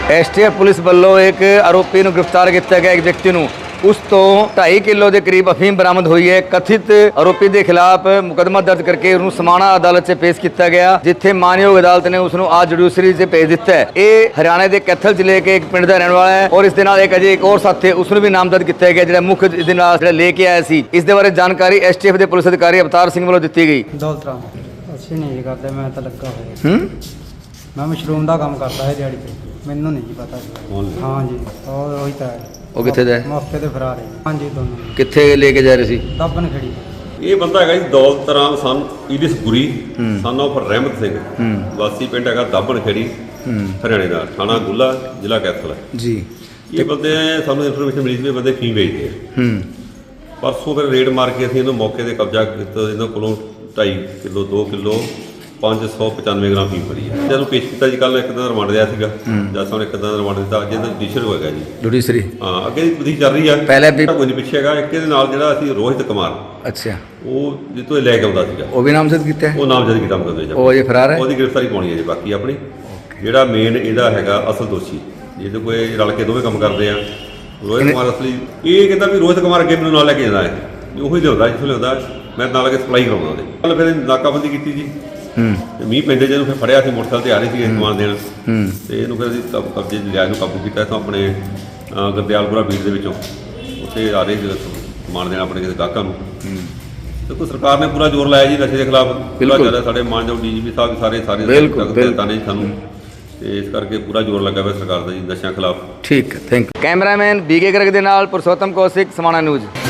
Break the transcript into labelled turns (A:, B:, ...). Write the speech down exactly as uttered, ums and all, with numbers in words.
A: S T F police वालों एक आरोपी ਨੂੰ गिरफ्तार किया गया। एक व्यक्ति ਨੂੰ उस तो ढाई किलो के करीब अफीम बरामद हुई है। कथित आरोपी के खिलाफ मुकदमा दर्ज करके उन्होंने समाणा अदालत से पेश किया गया, जिथे मानयोग अदालत ने उसको आज जुडिशरी से भेज दिता है। ये हरियाणा के कैथल जिले के एक पिंड का रहने वाला है और इस एक अजय एक और साथी उसने भी नामजद किया गया, जो मुख्य जो लेके आया सी। इस बारे जानकारी एस टी एफ के पुलिस अधिकारी अवतार सिंह वालों दी गई।
B: दौलत राम ਅਸੀਂ ਨਹੀਂ ਕਰਦੇ, ਮੈਂ ਤਾਂ ਲੱਗਾ ਹੋਇਆ ਹੂੰ ਮੈਂ ਮਸ਼ਰੂਮ ਦਾ ਕੰਮ ਕਰਦਾ ਹੈ ਦਿਹਾੜੀ ਤੇ, ਮੈਨੂੰ ਨਹੀਂ ਜੀ ਪਤਾ ਜੀ। ਹਾਂ ਜੀ ਉਹ ਉਹੀ ਤਾਂ ਹੈ।
A: ਉਹ ਕਿੱਥੇ ਦਾ ਹੈ?
B: ਮੌਕੇ ਤੇ ਫਰਾਰ ਹੈ। ਹਾਂ ਜੀ ਦੋਨੋਂ
A: ਕਿੱਥੇ ਲੈ ਕੇ ਜਾ ਰਹੇ ਸੀ?
B: ਦੱਬਣ ਖੜੀ।
C: ਇਹ ਬੰਦਾ ਹੈਗਾ ਜੀ ਦੌਲਤ ਰਾਮ ਸਨ ਇਲਿਸ ਗੁਰੀ ਸਨ ਆਫ ਰਹਿਮਤ ਸਿੰਘ, ਵਾਸੀ ਪਿੰਡ ਹੈਗਾ ਦੱਬਣ ਖੇੜੀ ਹਰਿਆਣੇ ਦਾ, ਥਾਣਾ ਗੁੱਲਾ, ਜ਼ਿਲ੍ਹਾ ਕੈਥਲ
A: ਜੀ।
C: ਇਹ ਬੰਦੇ ਸਾਨੂੰ ਇਨਫੋਰਮੇਸ਼ਨ ਮਿਲੀ ਸੀ ਵੀ ਬੰਦੇ ਫੀਮ ਵੇਚਦੇ ਆ। ਪਰਸੋਂ ਫਿਰ ਰੇਡ ਮਾਰ ਕੇ ਅਸੀਂ ਇਹਨੂੰ ਮੌਕੇ ਤੇ ਕਬਜ਼ਾ ਕੀਤਾ। ਇਹਨਾਂ ਕੋਲੋਂ ਢਾਈ ਕਿਲੋ ਦੋ ਕਿਲੋ ਪੰਜ ਸੌ ਪਚਾਨਵੇਂ ਗ੍ਰਾਮ ਫੀਮ ਫੜੀ ਹੈ। ਜਦੋਂ ਪੇਸ਼ ਕੀਤਾ ਜੀ ਕੱਲ੍ਹ ਇੱਕ ਦਿਨ ਰਿਮਾਂਡ ਲਿਆ ਸੀਗਾ, ਜੱਜ ਸਾਹਿਬ ਨੇ ਇੱਕ ਦਿਨ ਰਿਮਾਂਡ ਦਿੱਤਾ। ਅੱਜ ਇਹਦਾ ਜੁਡੀਸ਼ੀਅਲ ਹੋਏਗਾ ਜੀ
A: ਜੁਡੀਸ਼ਰੀ।
C: ਹਾਂ ਅੱਗੇ ਦੀ ਵਧੀ ਚੱਲ ਰਹੀ ਆ।
A: ਪਹਿਲੇ ਵੀ
C: ਕੋਈ ਨਹੀਂ ਪਿੱਛੇ ਹੈਗਾ। ਇੱਕ ਇਹਦੇ ਨਾਲ ਜਿਹੜਾ ਅਸੀਂ ਰੋਹਿਤ ਕੁਮਾਰ,
A: ਅੱਛਾ,
C: ਉਹ ਜਿੱਤੋਂ ਇਹ ਲੈ ਕੇ ਆਉਂਦਾ ਸੀਗਾ,
A: ਉਹ ਵੀ ਨਾਮਜ਼ਦ ਕੀਤਾ ਹੈ।
C: ਉਹ ਨਾਮਜ਼ਦ ਕੀਤਾ ਮੁਕੱਦਮੇ 'ਚ।
A: ਉਹ ਅਜੇ ਫਰਾਰ ਹੈ।
C: ਉਹਦੀ ਗ੍ਰਿਫਤਾਰੀ ਪਾਉਣੀ ਹੈ ਜੀ। ਬਾਕੀ ਆਪਣੀ ਜਿਹੜਾ ਮੇਨ ਇਹਦਾ ਹੈਗਾ ਅਸਲ ਦੋਸ਼ੀ, ਜਿਹਦੇ ਕੋਈ ਰਲ ਕੇ ਦੋਵੇਂ ਕੰਮ ਕਰਦੇ ਆ, ਰੋਹਿਤ ਕੁਮਾਰ ਅਸਲੀ। ਇਹ ਕਹਿੰਦਾ ਵੀ ਰੋਹਿਤ ਕੁਮਾਰ ਅੱਗੇ ਮੈਨੂੰ ਨਾਲ ਲੈ ਕੇ ਜਾਂਦਾ ਹੈ, ਉਹੀ ਲਿਆਉਂਦਾ ਜਿੱਥੋਂ ਲਿਆਉਂਦਾ, ਮੈਂ ਨਾਲ ਕੇ ਸਪਲਾਈ ਕਰਾਉਂਦਾ ਉਹਦੇ। ਕੱਲ ਫਿਰ ਨਾਕਾਬੰਦੀ ਕੀਤੀ ਜੀ। ਹੂੰ ਮੀਂਹ ਪੈਂਦੇ ਜਿਹਨੂੰ ਫਿਰ ਫੜਿਆ ਸੀ, ਮੋਟਰਸਾਈਕਲ ਤੇ ਆ ਰਹੀ ਸੀ ਸਮਾਨ ਦੇਣ, ਤੇ ਇਹਨੂੰ ਫਿਰ ਅਸੀਂ ਕਬਜ਼ੇ ਲਿਆ, ਇਹਨੂੰ ਕਾਬੂ ਕੀਤਾ। ਇੱਥੋਂ ਆਪਣੇ ਗੁਰਦਿਆਲਪੁਰਾ ਬੀੜ ਦੇ ਵਿੱਚੋਂ ਉੱਥੇ ਆ ਰਹੇ ਸੀ ਸਮਾਨ ਦੇਣ ਆਪਣੇ ਕਿਸੇ ਗਾਹਕਾਂ ਨੂੰ। ਦੇਖੋ ਸਰਕਾਰ ਨੇ ਪੂਰਾ ਜ਼ੋਰ ਲਾਇਆ ਜੀ ਨਸ਼ੇ ਦੇ ਖਿਲਾਫ, ਪੂਰਾ ਜ਼ਿਆਦਾ। ਸਾਡੇ ਮਾਨਯੋਗ ਡੀ ਜੀ ਪੀ ਸਾਹਿਬ ਸਾਰੇ ਸਾਰੇ ਦਿੱਤਾ ਨੇ ਸਾਨੂੰ, ਤੇ ਇਸ ਕਰਕੇ ਪੂਰਾ ਜ਼ੋਰ ਲੱਗਾ ਹੋਇਆ ਸਰਕਾਰ ਦਾ ਜੀ ਨਸ਼ਿਆਂ ਖਿਲਾਫ।
A: ਠੀਕ ਹੈ, thank you. Cameraman B K Garg ਦੇ ਨਾਲ ਪੁਰਸ਼ੋਤਮ ਕੌਸ਼ਿਕ, ਸਮਾਣਾ ਨਿਊਜ਼।